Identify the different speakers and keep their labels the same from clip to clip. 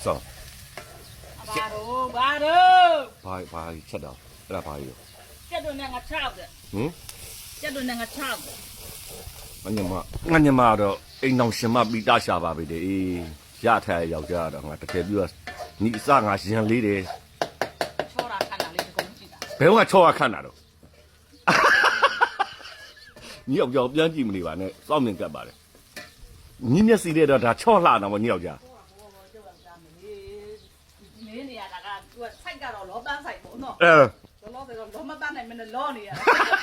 Speaker 1: ဆောင်
Speaker 2: ဘာချက်တော့အဲ့ဒါဘာကြီးရော
Speaker 1: ကျက်တို့နဲ့ငါ6တဲ့
Speaker 2: ဟင်
Speaker 1: ကျက်တို့နဲ့ငါ6တဲ့
Speaker 2: ငါညမတော့အိမ်အောင်ရှင်မပြီးတာရှာပါပြီတဲ့အေးရထားယောက်ျားတော့ငါတကယ်ပြီးတော့ညီအစငါရင်လေးတယ်
Speaker 1: ချောတာခဏလေးတကုံကြည့်တာ
Speaker 2: ဘယ်ကချောရခန့်တာတော့ညီယောက်ျားပြန်ကြည့်မနေပါနဲ့စောင့်မြင်ကပ်ပါလေညီမျက်စိတဲ့တော့ဒါချော့လှတာပေါ့ညီယောက်ျား
Speaker 1: မင်းနေရတာကသူကစိုက်ကတော့လောပန်းဆိုင်ပေါ့နော်
Speaker 2: အဲ
Speaker 1: လောဆိုတော့လောမပန်းနိုင်မနဲ့လောနေရ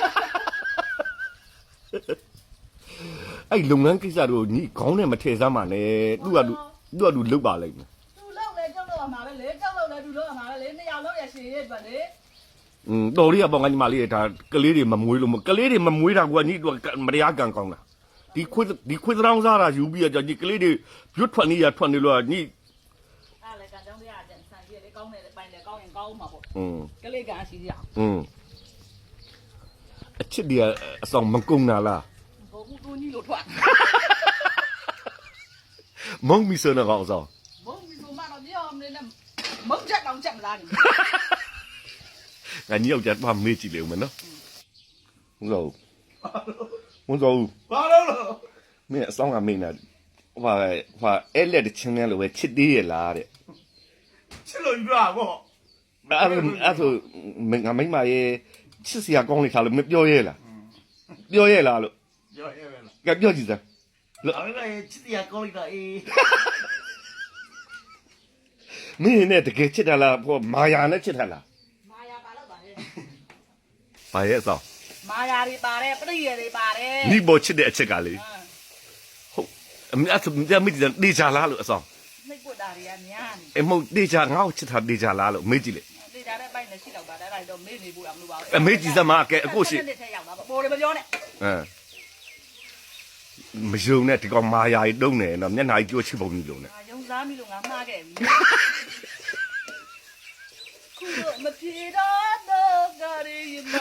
Speaker 2: အဲ့လုပ်ငန်းကိစ္စတို့ညီခေါင်းနဲ့မထည့်စမ်းပါနဲ့သူကသူလုတ်ပါလိမ့်မယ်
Speaker 1: သူလောက်လေကြောက်တော့မှာပဲလေကြောက်လို့လေသူလောက်မှာပဲလေနှစ်ယောက်လောက်ရရှင်ရဲ့အတွက်လေ
Speaker 2: တော်လေးကပေါ့ငါညီမလေးဒါကလေးတွေမမွေးလို့ကလေးတွေမမွေးတာကညီသူမတရားကံကောင်းတာဒီခွေးတောင်းစားတာယူပြီးတော့ညီကလေးတွေရွတ်ထွက်နေရထွက်နေလို့ညီ
Speaker 1: အဲ့လေကကြောင်းတရားတဲ့ဆန်ကြီးလေကောင်းတယ်ပိုင်တယ်ကောင်းရင်ကောင်းမှာပေါ့
Speaker 2: อืม
Speaker 1: ကလေးကန်ရှိရအောင်
Speaker 2: အချစ်တွေအဆောင်မကုံတာလား
Speaker 1: ဘိုးကူကြီးလို့ထွက်
Speaker 2: မုံမီစနကောင်ဆောင်
Speaker 1: ဘုံဒီလိုမှတော့ပြောမနေနဲ့မုံချက်တောင်ချက်မလားနေ
Speaker 2: ငါညီယောက်ျားတော့မေ့ကြည့်လေဦးမယ်နော်ဟုတ်တော့ဘာလို့မင်းအဆောင်ကမင်းနာဟာအဲ့လက်ချင်းနဲ့လို့ပဲချစ်သေးရလားတဲ့
Speaker 3: ချစ်လို့ပြပါပေါ့
Speaker 2: အဲ့ဆိုငါမိမရဲ့ချစ်စရာကောင်းလိုက်တာလို့မပြောရဲလားပြောရဲလားလို့
Speaker 3: ပြောရဲပဲလား
Speaker 2: ကပြောကြည့်စမ်း
Speaker 3: အမေကချစ်တရားကောင်းလိုက်တာအေး
Speaker 2: မင်းနဲ့တကယ်ချစ်တာလားဟောမာယာနဲ့ချစ်တာလား
Speaker 1: မာယာပါတော့ပါလေ
Speaker 2: ဘာရဲ့အဆောင်
Speaker 1: မာယာတွေပါတယ်ပရိယေတွေပါတယ်
Speaker 2: နိဘောချစ်တဲ့အချက်ကလေဟုတ်အမေအဲ့ဆိုမိကြတေချာလားလို့အဆောင်
Speaker 1: နှိပ်ကွတာတွေကများနေ
Speaker 2: အမဟုတ်တေချာငါ့ကိုချစ်တာတေချာလားလို့မေးကြည့်လေ
Speaker 1: တေချာတဲ့ပိုင်းနဲ့ရှိတော့ပါတယ်အဲ့ဒါတော့မေ့နေဖို့ရမလို့ပါဘူး
Speaker 2: အမေကြည့်စမ်းမကဲအခုရှိ
Speaker 1: တစ်ထက်ရောက်တာပေါ့ပိုးတွေမပြောနဲ့
Speaker 2: မယုံနဲ့ဒီကောင်မာယာကြီးတုံးနေတော့မျက်နှာကြီးကြိုးချစ်ပုံကြီးလုံးနဲ့
Speaker 1: ငါယုံစားမိလို့ငါမှားခဲ့ပြီခုတော့မပြေတော့တော့ကြရည်မ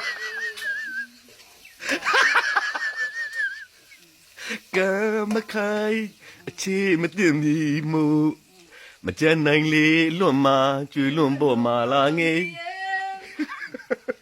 Speaker 2: ကမခိုင်အချေမတင်မီမူမကြမ်းနိုင်လေလွတ်မှာကျွေလွန်ပေါ်မှာလာငေး